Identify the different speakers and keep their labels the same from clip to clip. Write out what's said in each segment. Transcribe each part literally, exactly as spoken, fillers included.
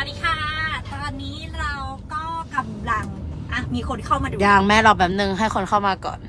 Speaker 1: วัสดีค่ะตอนนี้เราก็กำลังอ่ะมีคนเข้ามาดู
Speaker 2: ยังแม่รอแป๊บนึงให้คนเข้ามาก่อน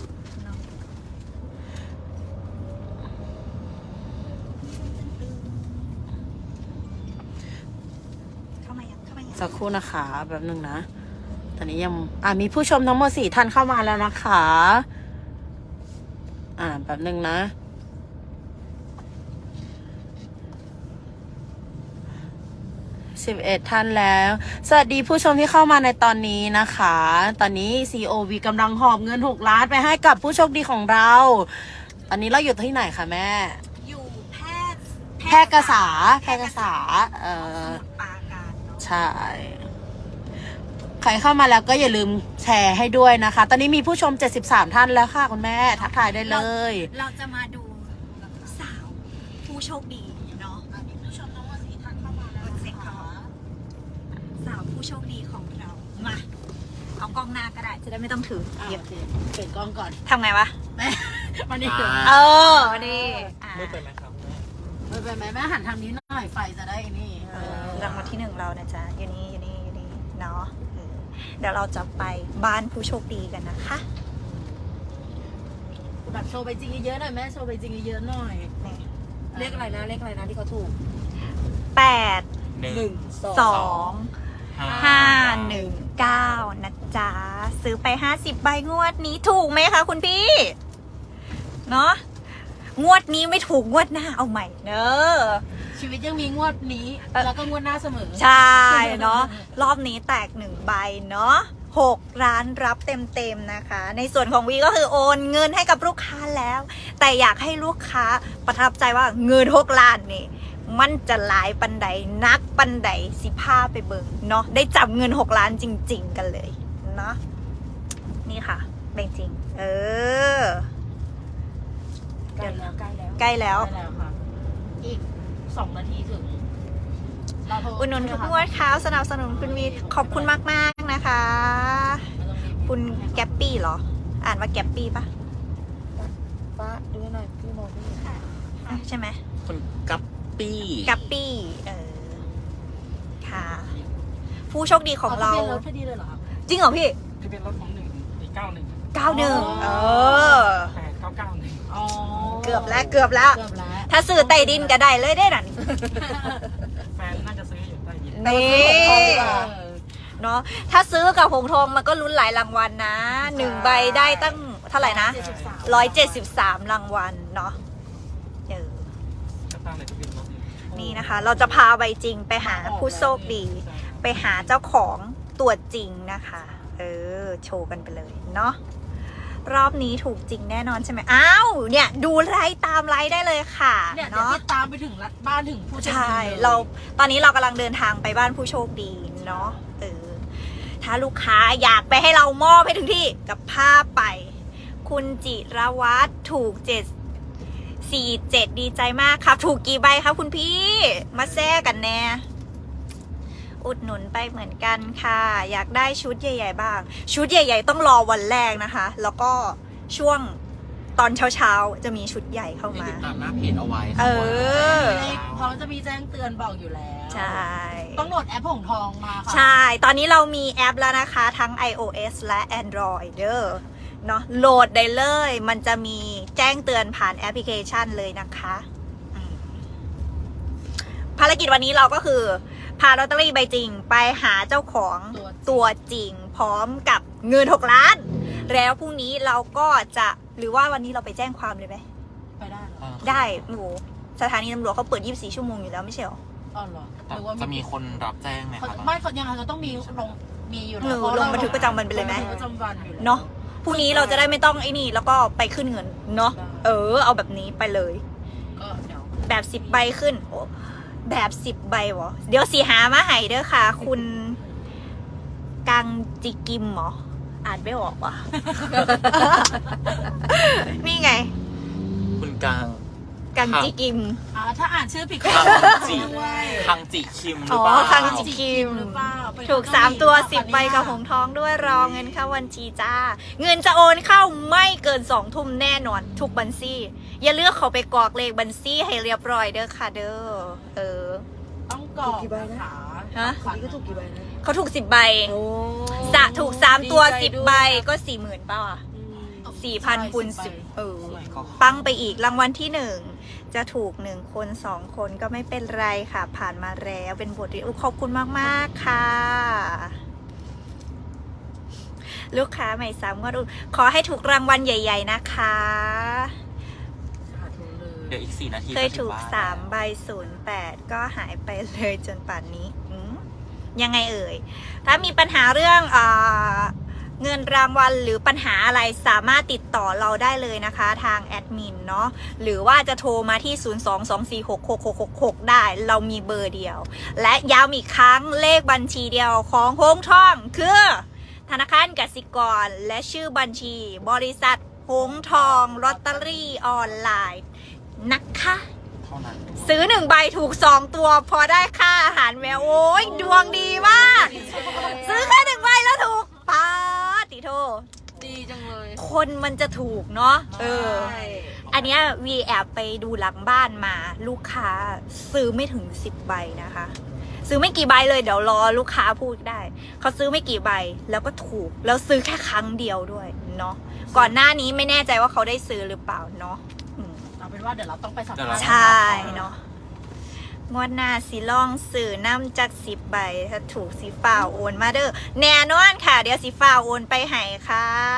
Speaker 1: เข้ามายังเข้ามายัง
Speaker 2: สักครู่นะคะแป๊บนึงนะตอนนี้ยังอ่ะมีผู้ชมทั้งหมดสี่ท่านเข้ามาแล้วนะคะอ่าแป๊บนึงนะสิบเอ็ดท่านแล้วสวัสดีผู้ชมที่เข้ามาในตอนนี้นะคะตอนนี้ ซี โอ วี กำลังหอบเงินหกล้านไปให้กับผู้โชคดีของเราตอนนี้เราอยู่ที่ไหนคะแม่
Speaker 1: อยู่แพร่
Speaker 2: แพร่กษาแพร่กษาเอ่อ
Speaker 1: ปราการเนาะ
Speaker 2: ใช่ใครเข้ามาแล้วก็อย่าลืมแชร์ให้ด้วยนะคะ ตอนนี้มีผู้ชมเจ็ดสิบสามท่านแล้วค่ะคุณแม่ทักทายได้เลย
Speaker 1: เราจะมาดูสาวผู้โชคดีเนาะมีผู้ชมทั้งหมดสี่ท่านเข้ามาแล้วเสร็จค่ะสาวผู้โชคดีของเรามาเอากล้องหน้าก็ได้จะได้ไม่ต้องถือ
Speaker 2: เดี๋ยวเปิดกล้องก่อน
Speaker 1: ทำไงวะ
Speaker 2: แม่มาดิ
Speaker 1: เออมาดิ
Speaker 3: มืดไปไหมครับ
Speaker 2: มืดไปไหมแม่หันทางนี้หน่อยไฟจะได้นี่
Speaker 1: รางวัลที่หนึ่งเรานะจ๊ะอยู่นี่อยู่นี่อยู่นี่เนาะเดี๋ยวเราจะไปบ้านผู้โชคดีกันนะคะ
Speaker 2: แบบโชว์ไปจริงเยอะๆหน่อยแม่โชว์ไปจริงเยอะๆหน่อยเลขอะไรนะเลขอะไรนะที่เขาถูก
Speaker 1: แปด
Speaker 3: หนึ่ง
Speaker 1: สองห้าหนึ่งเก้านะจ๊ะซื้อไปห้าสิบใบงวดนี้ถูกไหมคะคุณพี่เนาะงวดนี้ไม่ถูกงวดหน้าเอาใหม่เนอะ
Speaker 2: ชีวิตยังมีงวดนี้แล้วก็งวดหน้าเสมอ
Speaker 1: ใช่เนาะรอบนี้แตกหนึ่งใบเนาะหกร้านรับเต็มๆนะคะในส่วนของวีก็คือโอนเงินให้กับลูกค้าแล้วแต่อยากให้ลูกค้าประทับใจว่าเงินหกล้านนี่มันจะหลายปันใดนักปันใดสิพาไปเบิ่งเนาะได้จับเงินหกล้านจริงๆกันเลยเนาะนี่ค่ะเป็นจริงเออ
Speaker 2: ใกล้แล้วใกล้แล้ว
Speaker 1: ใกล้แล้ว
Speaker 2: ค่ะอีกสองนาทีถึง
Speaker 1: อุดหนุนทุกงวดค้าสนับสนุนคุณวีขอบคุณมากๆนะคะคุณแกปปี้เหรออ่านว่าแกปปี้ปะ
Speaker 2: ป้าดูหน่อยพี่มองไม่เห็น
Speaker 1: ใช่ไหม
Speaker 3: คุณกัปปี้
Speaker 1: กัปปี้เออค่ะผู้โชคดีของเรา
Speaker 2: รถพอดีเลยเหรอ
Speaker 1: จริงเหรอพี่
Speaker 3: ที่เป็นรถของหนึ่งอีกเก้าหนึ่ง
Speaker 1: เก้าหนึ่งเออ
Speaker 3: แปดเก้าเก้าหนึ่ง
Speaker 1: เกือบแล้วเกือบแล้วถ้าซื้อไต่ดินก็ได้เลยได้หนัน
Speaker 3: แฟนน่าจะซื้ออยู่ใต้ดิน
Speaker 1: นี่เนาะถ้าซื้อกับหงทองมันก็ลุ้นหลายรางวัลนะหนึ่งใบได้ตั้งเท่าไหร่นะร้อยเจ็ดสิบสามรางวัลเนาะเออนี่นะคะเราจะพาใบจริงไปหาผู้โชคดีไปหาเจ้าของตัวจริงนะคะเออโชว์กันไปเลยเนาะรอบนี้ถูกจริงแน่นอนใช่ไหมอ้าวเนี่ยดูไลฟ์ตามไลฟ์ได้เลยค่ะ
Speaker 2: เนาะตามไปถึงบ้านถึงผู้โชคดีใช่
Speaker 1: เราตอนนี้เรากำลังเดินทางไปบ้านผู้โชคดีเนาะเออถ้าลูกค้าอยากไปให้เรามอบให้ถึงที่กับภาพไปคุณจิรวัตรถูกเจ็ดสี่เจ็ดดีใจมากครับถูกกี่ใบครับคุณพี่มาแซ่กันแน่อุดหนุนไปเหมือนกันค่ะอยากได้ชุดใหญ่ๆบ้างชุดใหญ่ๆต้องรอวันแรกนะคะแล้วก็ช่วงตอนเช้าๆจะมีชุดใหญ่เข้ามา
Speaker 3: ติดตามหน้าเพจเอาไว้
Speaker 1: เออ
Speaker 2: พร้อมจะมีแจ้งเตือนบอกอยู่แล้ว
Speaker 1: ใช่
Speaker 2: ต้องโหลดแอปหงทองมาค่ะ
Speaker 1: ใช่ตอนนี้เรามีแอปแล้วนะคะทั้ง iOS และ Android เด้อเนาะโหลดได้เลยมันจะมีแจ้งเตือนผ่านแอปพลิเคชันเลยนะคะภารกิจวันนี้เราก็คือพาลอตเตอรี่ใบจริงไปหาเจ้าของตัวจริงพร้อมกับเงินหกล้านแล้วพรุ่งนี้เราก็จะหรือว่าวันนี้เราไปแจ้งความเลยไหม
Speaker 2: ไปได้หรอ
Speaker 1: ได้โอ้โหสถานีตำรวจเขาเปิดยี่สิบสี่ชั่วโมงอยู่แล้วไม่ใช่หรอ
Speaker 2: อ๋อเหรอ
Speaker 3: หรือว่าจะมีคนรับแจ้งไหมครับ
Speaker 2: ไม่เขายังไงเขาต้องมีลงมีอยู่
Speaker 1: แล้วลงบันทึกประจำวันไปเลยไหม
Speaker 2: ประจำวันอยู่
Speaker 1: เนาะพรุ่งนี้เราจะได้ไม่ต้องไอ้นี่แล้วก็ไปขึ้นเงินเนาะเออเอาแบบนี้ไปเลย
Speaker 2: ก็เดี๋ยว
Speaker 1: แบบสิบใบขึ้นโอ้แบบสิบใบวะเดี๋ยวสีหามาให้เด้อค่ะคุณกังจิกิมเหรออ่านไม่ออกว่ะ นี่ไง
Speaker 3: คุณกัง
Speaker 1: กังจิกิม
Speaker 2: อ่าถ้าอ่านชื่อผิดก็
Speaker 3: จิคังจิคิมหรือ
Speaker 1: เปล่าอ๋อคังจิคิมถูกสามตัวสิบใบกับหงทองด้วยรอเงินเข้าบัญชีจ้าเงินจะโอนเข้าไม่เกินสองทุ่มแน่นอนทุกบัญชีอย่าเลือกเขาไปกรอกเลขบัญชีให้เรียบร้อยเด้อค่ะเด้อเออ
Speaker 2: ต้องกรอกนะคะ
Speaker 1: ฮะ
Speaker 2: คนนี้ก็ถูกกี่ใบนะ
Speaker 1: เขาถูกสิบใบ
Speaker 2: โอ้
Speaker 1: สะถูกสามตัว
Speaker 2: ดีใจ
Speaker 1: สิบ
Speaker 2: ด้วย
Speaker 1: ใบก็สี่หมื่นเปล่าอ่ะ สี่พันคูณสิบเออ
Speaker 3: โอ้ my god
Speaker 1: ปังไปอีกรางวัลที่หนึ่งจะถูกหนึ่งคนสองคนก็ไม่เป็นไรค่ะ ผ่านมาแล้วเป็นบทเรียนอุ๊ยขอบคุณมาก ๆ ค่ะ ลูกค้าใหม่สามงวดอุ๊ยขอให้ถูกรางวัลใหญ่ ๆ นะคะ
Speaker 2: สาธุเลย
Speaker 3: เดี๋ยวอีกสี่นาที
Speaker 1: เคยถูก
Speaker 3: จะถึงบ้น
Speaker 1: สามใบศูนย์แปดก็หายไปเลยจนป่านนี้อืมยังไงเอ่ย ถ้ามีปัญหาเรื่องเออเงินรางวัลหรือปัญหาอะไรสามารถติดต่อเราได้เลยนะคะทางแอดมินเนาะหรือว่าจะโทรมาที่ ศูนย์ สอง สอง สี่ หก หก หก หก หก ได้เรามีเบอร์เดียว และย้ำอีกครั้งเลขบัญชีเดียวของโฮงท่องคือ ธนาคารกสิกรและชื่อบัญชีบริษัทหงทองลอตเตอรี่ออนไลน์นะคะ
Speaker 3: เท่านั้น
Speaker 1: ซื้อหนึ่งใบถูกสองตัวพอได้ค่าอาหารแมวโอ้ยดวงดีมาก ซื้อแค่หนึ่งใบแล้วถูกป้าติโท
Speaker 2: ดีจังเลย
Speaker 1: คนมันจะถูกเนาะเออ
Speaker 2: ใช่
Speaker 1: อันเนี้ยวีแอบไปดูหลังบ้านมาลูกค้าซื้อไม่ถึงสิบใบนะคะ ซื้อไม่กี่ใบเลยเดี๋ยวรอลูกค้าพูดได้ เขาซื้อไม่กี่ใบแล้วก็ถูก แล้วซื้อแค่ครั้งเดียวด้วยเนาะก่อนหน้านี้ไม่แน่ใจว่าเขาได้ซื้อหรือเปล่าเนาะอืม
Speaker 2: เอาเป็นว่าเดี๋ยวเราต้องไปสัมภาษณ์
Speaker 1: ใช่เนาะงวดหน้าสีล่องสื่อน้ำจากสิบใบถ้าถูกสีฟ้าโอนมาเด้อแน่นอนค่ะ เดี๋ยวสีฟ้าโอนไปให้ค่ะ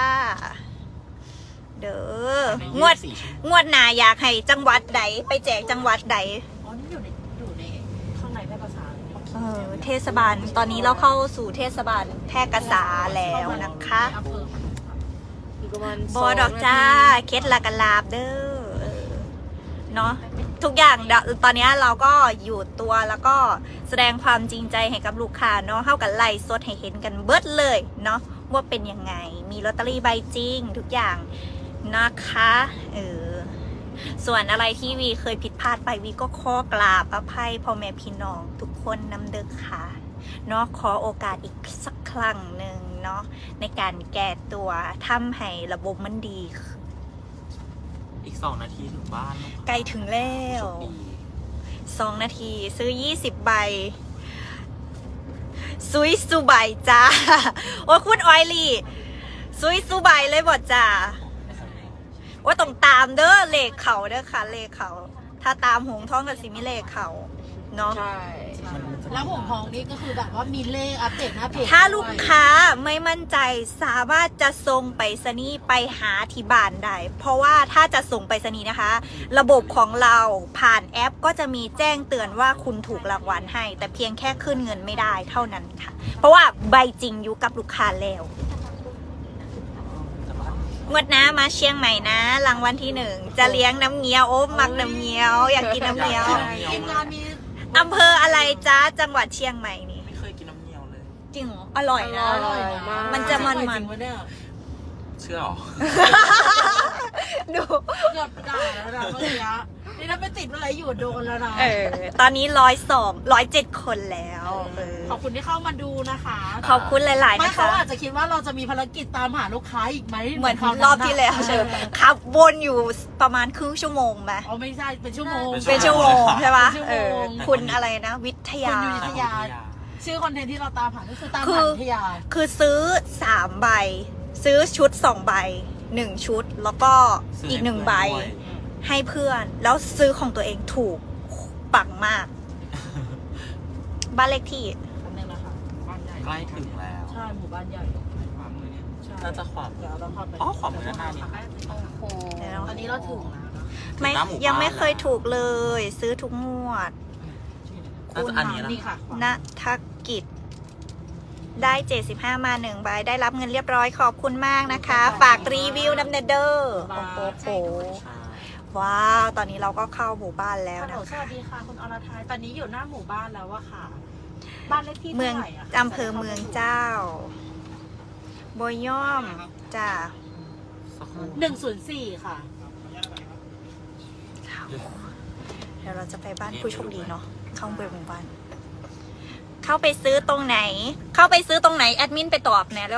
Speaker 1: เด้องวด
Speaker 3: สี่ชั่โม
Speaker 1: งวดหน้าอยากให้จังหวัดใดไปแจกจังหวัดใด
Speaker 2: อ๋อนี่อยู่ในอยู่ในข้างในแพร่ภาษา
Speaker 1: เออเทศบาลตอนนี้เราเข้าสู่เทศบาลแพร่กษาแล้วนะคะ
Speaker 2: อำเภออยู่ประมาณ
Speaker 1: บอดอกจ้าเคล็ดละกันลาบเด้อเออเนาะทุกอย่างเดี๋ยวตอนนี้เราก็อยู่ตัวแล้วก็แสดงความจริงใจให้กับลูกค้าเนาะเข้ากันไล่สดให้เห็นกันเบิดเลยเนาะว่าเป็นยังไงมีลอตเตอรี่ใบจริงทุกอย่างนะคะเออส่วนอะไรที่วีเคยผิดพลาดไปวีก็ขอกราบอภัยพ่อแม่พี่น้องทุกคนนำเด้อค่ะเนาะขอโอกาสอีกสักครั้งหนึ่งเนาะในการแก้ตัวทำให้ระบบมันดีขึ้น
Speaker 3: อีกสองนาทีถึงบ้านลูค้า
Speaker 1: ใกล้ถึงแล้ว
Speaker 3: โชคดี
Speaker 1: สองนาทีซื้อยี่สิบใบซุยซูใบจ้า โอ้ยคุณออยลี่ซุยซูใบเลยบอจ้าว่าต้องตามเด้อเลขเขาเด้อค่ะเลขเขา ถ้าตามหงท้องกับสิมิเลขเขาเนาะ
Speaker 2: ใช่
Speaker 3: มันมันจะ
Speaker 2: แล้วผมทองนี่ก็คือแบบว่ามีเลขอัปเดตหน้าเพจ
Speaker 1: ถ้าลูกค้าไม่มั่นใจสามารถจะส่งไปรษณีย์ไปหาที่บ้านได้เพราะว่าถ้าจะส่งไปรษณีย์นะคะ ระบบของเราผ่านแอปก็จะมีแจ้งเตือนว่าคุณถูกรางวัลให้ แต่เพียงแค่ขึ้นเงินไม่ได้เท่านั้นค่ะ เพราะว่าใบจริงอยู่กับลูกค้าแล้วงวดหน้ามาเชียงใหม่นะรางวัลที่หนึ่งจะเลี้ยงน้ำเงี้ยวโอ้มักน้ำเงี้ยวอยากกินน้ำเงี้ยว
Speaker 2: ทีมงานมี
Speaker 1: อำเภออะไรจ้าจังหวัดเชียงใหม่นี่
Speaker 3: ไม่เคยกินน้ำเงี้ยวเลย
Speaker 1: จริงเหรออร่อยนะ
Speaker 2: อร่อยมาก
Speaker 1: มันจะมันๆ
Speaker 2: จริงปะเนี่ย
Speaker 3: เชื่อเหรอ
Speaker 1: ดู
Speaker 2: เกือบด่าแล้วนะเมื่อกี้นี่ถ้าไปติดอะไรอยู่โดนแล้วนะ
Speaker 1: เออ ตอนนี้ร้อยสองร้อยเจ็ดคนแล้วเออ
Speaker 2: ขอบคุณที่เข้ามาดูนะคะ
Speaker 1: ขอบคุณหลาย ๆ
Speaker 2: ไม่
Speaker 1: นะ
Speaker 2: เขา
Speaker 1: คะ
Speaker 2: อาจจะคิดว่าเราจะมีภารกิจตามหาลูกค้าอีกไหม
Speaker 1: เหมือน
Speaker 2: คราวนั้น
Speaker 1: รอบที่แล้ว
Speaker 2: น่ะ
Speaker 1: เชิญขับวนอยู่ประมาณครึ่งชั่วโมงไหม
Speaker 2: อ๋อไม่ใช่เป็นชั่วโมง
Speaker 1: เป็นชั่วโมงใช่ปะ
Speaker 2: เป็นชั่ว
Speaker 1: เอ
Speaker 2: โม
Speaker 1: อง คุณอะไรนะ วิทยา
Speaker 2: คุณวิทยา ชื่อคอนเทนต์ที่เราตามหาก็คือตาม
Speaker 1: คื
Speaker 2: หา
Speaker 1: อ
Speaker 2: วิทยา
Speaker 1: คือซื้อสามใบ ซื้อชุดสองใบหนึ่งชุด แล้วก็
Speaker 3: ซื้
Speaker 1: อีกหนึ่ง
Speaker 3: เพื่
Speaker 1: ใบ
Speaker 3: ด้วย
Speaker 1: ให้เพื่อน แล้วซื้อของตัวเองถูกปังมาก บ้านเลขที่
Speaker 2: นี่แหละค่ะบ้านใหญ่
Speaker 3: ใกล้ถึงแล้ว
Speaker 2: ใช่หมู่บ้านใหญ่ใช่
Speaker 3: น่าจะขวามือ
Speaker 2: เดี๋ยวเราเข้าไป
Speaker 3: อ๋อขวามือด้านหน้านี่
Speaker 2: โอ้โหตอนนี้เราถึงแล้วนะ
Speaker 1: ไม่
Speaker 3: ถึงหน้าหมู่บ้าน
Speaker 1: ยังไม่เคยถูกเลย ซื้อทุกงวด
Speaker 3: น่าจะอันนี้นะ
Speaker 2: นี่ค่ะ
Speaker 1: ณทักกิจ ได้เจ็ดสิบห้ามาหนึ่งใบ ได้รับเงินเรียบร้อยขอบคุณมากนะคะ ฝากรีวิวน้ำเนเดอร์โอ้โหโหว้าว ตอนนี้เราก็เข้าหมู่บ้านแล้ว
Speaker 2: ฮัลโหล
Speaker 1: นะ
Speaker 2: ส
Speaker 1: คะ
Speaker 2: วัสดีค่ะคุณอรทัยตอนนี้อยู่หน้าหมู่บ้านแล้วอะค่ะ บ้านเลขที่
Speaker 1: เมือง
Speaker 2: เท่าไหร่อะคะ
Speaker 1: อำเภอเมืองเจ้าบอย่อมจ้า
Speaker 3: สักครู่
Speaker 2: หนึ่งศูนย์สี่ค่ะ
Speaker 1: เดี๋ยวเราจะไปบ้านผู้โชคดีเนาะเข้าไปหมู่บ้าน เข้าไปซื้อตรงไหน เข้าไปซื้อตรงไหนแอดมินไปตอบแหน่แล้ว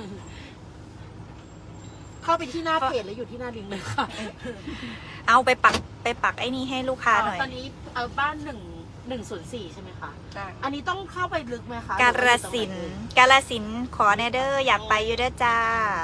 Speaker 2: เข้าไปที่หน้าเพจแล้วอยู่ที่หน้าลิงก์เลยค่ะ
Speaker 1: เอาไปปักไปปักไอ้นี่ให้ลูกค้าหน่อย
Speaker 2: ตอนนี้เอาบ้านหนึ่งหนึ่งศูนย์สี่ใช่ไหมคะ
Speaker 1: จ้ะ
Speaker 2: อันนี้ต้องเข้าไปลึกไหมคะ
Speaker 1: กาฬสินธุ์กาฬสินธุ์ขอแนเดอร์อยากไปอยู่เด้อจ้า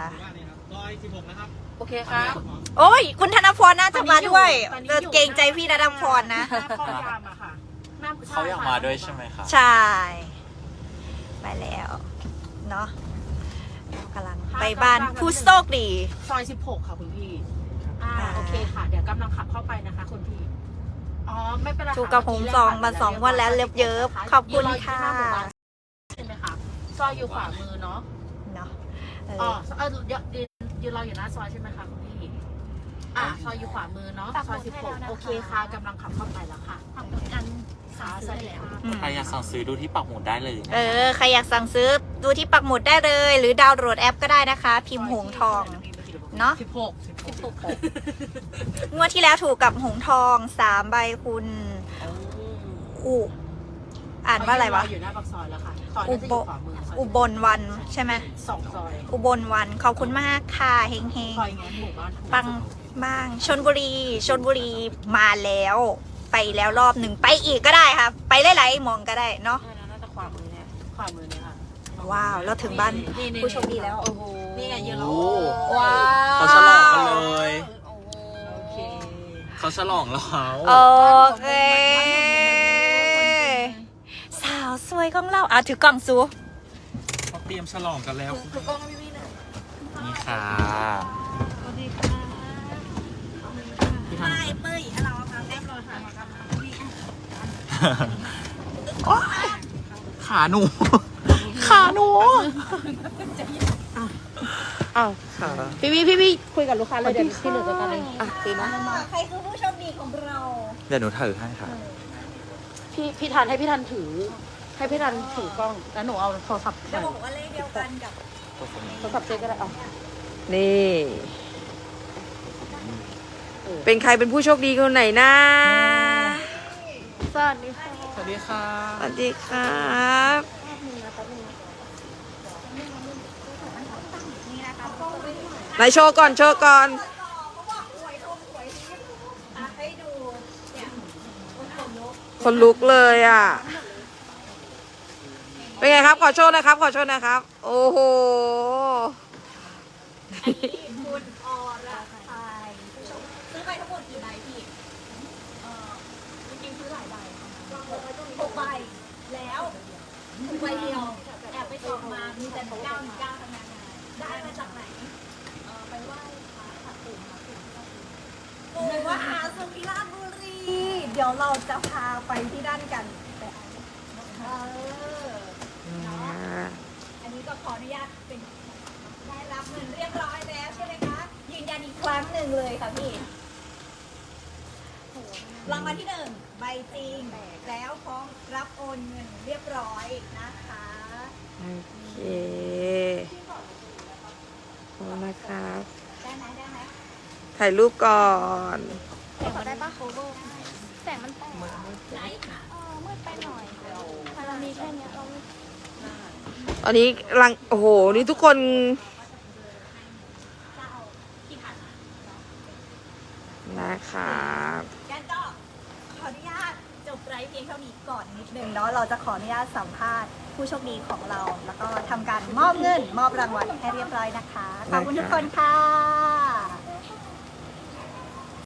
Speaker 2: โอเคค่ะ
Speaker 1: โอ้ย คุณธนพรน่าจะมาด้วยเออเกรงใจพี่ธนพรนะ
Speaker 2: หน้าคอยามอะค่ะหน้
Speaker 3: เขาอยากมาด้วยใช่ไหมครับ
Speaker 1: ใช่ ไปแล้ว เนาะกำลังไปบ้านผู้โชคดี
Speaker 2: ซอยสิบหกค่ะคุณพี่ อ่า
Speaker 1: อ่า
Speaker 2: โอเคค่ะ เดี๋ยวกำลังขับเข้าไปนะคะคุณพี่ อ๋อ ไม่เป็นไรค่ะ
Speaker 1: ถูกกับผมซองมาสองวันแล้วเลิฟเยิบขอบคุณค่ะ
Speaker 2: ยืนรออยู่ที่หน้าหมู่บ้านใช่ไหมคะซอยอยู่ขวามือเนาะ
Speaker 1: เนาะเอ
Speaker 2: อ๋อ
Speaker 1: อ
Speaker 2: เออยืนยืนยืนรออยู่หน้าซอยใช่ไหมคะคุณพี่ อ่าซอยอยู่ขวามือเนาะ ซอยสิบหกโอเคค่ะกำลังขับเข้าไปแล้วค่ะอันขาสวัสดีค่ะ
Speaker 1: อืม
Speaker 3: ใครอยากสั่งซื้อดูที่ปักหมุดได้เลยนะ
Speaker 1: เออ ใครอยากสั่งซื้อดูที่ปักหมุดได้เลย หรือดาวน์โหลดแอปก็ได้นะคะ พิมพ์หงทอง เนาะ
Speaker 2: สิบหกสิบหกสิบหก
Speaker 1: งวดที่แล้วถูกกับหงทองสามใบคุณอุอ่านว่าอะไรวะ
Speaker 2: อยู่หน้าปากซอยแล้วค่ะซอย
Speaker 1: อุ
Speaker 2: น่าจะ
Speaker 1: บ
Speaker 2: อยู่ขวามือซอย
Speaker 1: อุบลวันใช่ไหม
Speaker 2: สองซอย
Speaker 1: อุบลวันขอบคุณมากค่ะเฮงเฮง
Speaker 2: ซอยงั้นหมู่บ้านถูก
Speaker 1: ปังบ้างชนบุรีชนบุรีมาแล้ว ไปแล้วรอบหนึ่งไปอีกก็ได้ค่ะ ไปหลายๆหมองก็ได้เนาะ
Speaker 2: ใช่แล้วน่าจะขวามือเนี่ยขวามือเนี่ยค่ะ
Speaker 1: ว้าวเราถึงบ้าน
Speaker 2: ๆๆ
Speaker 1: ผู้โชคดีแล้ว
Speaker 2: โอ้โหนี่ไงยืนรอ
Speaker 3: โอ้
Speaker 1: ว้าว
Speaker 3: เขาฉลองกันเลย
Speaker 2: โอ้โหโอเค
Speaker 3: เขาฉลองแล้วเขา
Speaker 1: โอเคสาวสวยของเราอ่ะถือกล่องซู
Speaker 3: เขาเตรียมฉลองกันแล้ว
Speaker 1: ถือกล่องพี่พี่เลย
Speaker 3: นี่ค่ะ
Speaker 1: สวัสดีค่ะ
Speaker 3: พี่ทัน
Speaker 1: ไม่เป้ยเราเอาแก้มรอค่ะ
Speaker 3: ขาหนู ขาหนู
Speaker 2: อ้าว
Speaker 3: ขา
Speaker 2: พี่พี่พี่พี่คุยกับลูกค้าเลยเดี๋ยวพี่เหลือจัดการเองอ่ะตีนะ
Speaker 1: ใครคือผู้โชคดีของเรา
Speaker 3: เดี๋ยวหนูถือให้ค่ะ
Speaker 2: พี่พี่ทันให้พี่ทันถือ ให้พี่ทันถือกล้องแล้วหนูเอาโทรศัพท์
Speaker 1: จะบอกว่าเลขเดียวกันกับ
Speaker 2: โทรศัพท์เจ๊ก็ได้เอา
Speaker 4: นี่ เป็นใครเป็นผู้โชคดีคนไหนนะ
Speaker 2: สวัสดีค่ะ
Speaker 3: สวัสดีค่ะ
Speaker 4: สวัสดีครับ
Speaker 1: นี่นะคะ
Speaker 4: ไหนโชว์ก่อน โชว์ก่อน
Speaker 1: ให้ดู
Speaker 4: คนลุกเลยอ่ะ เป็นไงครับ ขอโชว์นะครับ ขอโชว์นะครับ โอ้โห
Speaker 1: คุณอรไทยผู้ชมซื้อไปทั้งหมดกี่ใบพี่เออจริงๆซื้อหลายใบหกใบแล้วหกใบเดียวแอบไปสอบมามีแต่หนึ่งเก้าหนึ่งเก้าทั้งนั้นได้มาจากไหนเออไปไหว้พระค่ะปู่มหาปู่ปู่มหาสุริราชบุรี เดี๋ยวเราจะพาไปที่ด้านกันเออเนาะอันนี้ก็ขออนุญาตเป็น ได้รับเงินเรียบร้อยแล้วใช่ไหมคะ ยืนยันอีกครั้งหนึ่งเลยค่ะพี่รางวัลที่หนึ่งใบจริงแล้วพร้อมรับโอนเงินเรียบร้อยนะคะ
Speaker 4: โอเคขอบคุณนะครับ
Speaker 1: ได้ไหมได้ไหม
Speaker 4: ถ่ายรูปก่อน
Speaker 1: แต่ขอได้ปะโคเวอร์แต่มันแตกไหนเออมืดไปหน่อยเรามีแค่เนี้ยเรา
Speaker 4: ตอนนี้กำลัง โอ้โห นี่ทุกคน
Speaker 1: จะเอาที่ผ่านมา
Speaker 4: นะครับ
Speaker 1: งั้นก็ขออนุญาตจบไลฟ์เพียงเท่านี้ก่อนนิดนึงเนาะเราจะขออนุญาตสัมภาษณ์ผู้โชคดีของเรา แล้วก็ทำการมอบเงินมอบรางวัลให้เรียบร้อยนะคะ ขอบคุณทุกคนค่ะ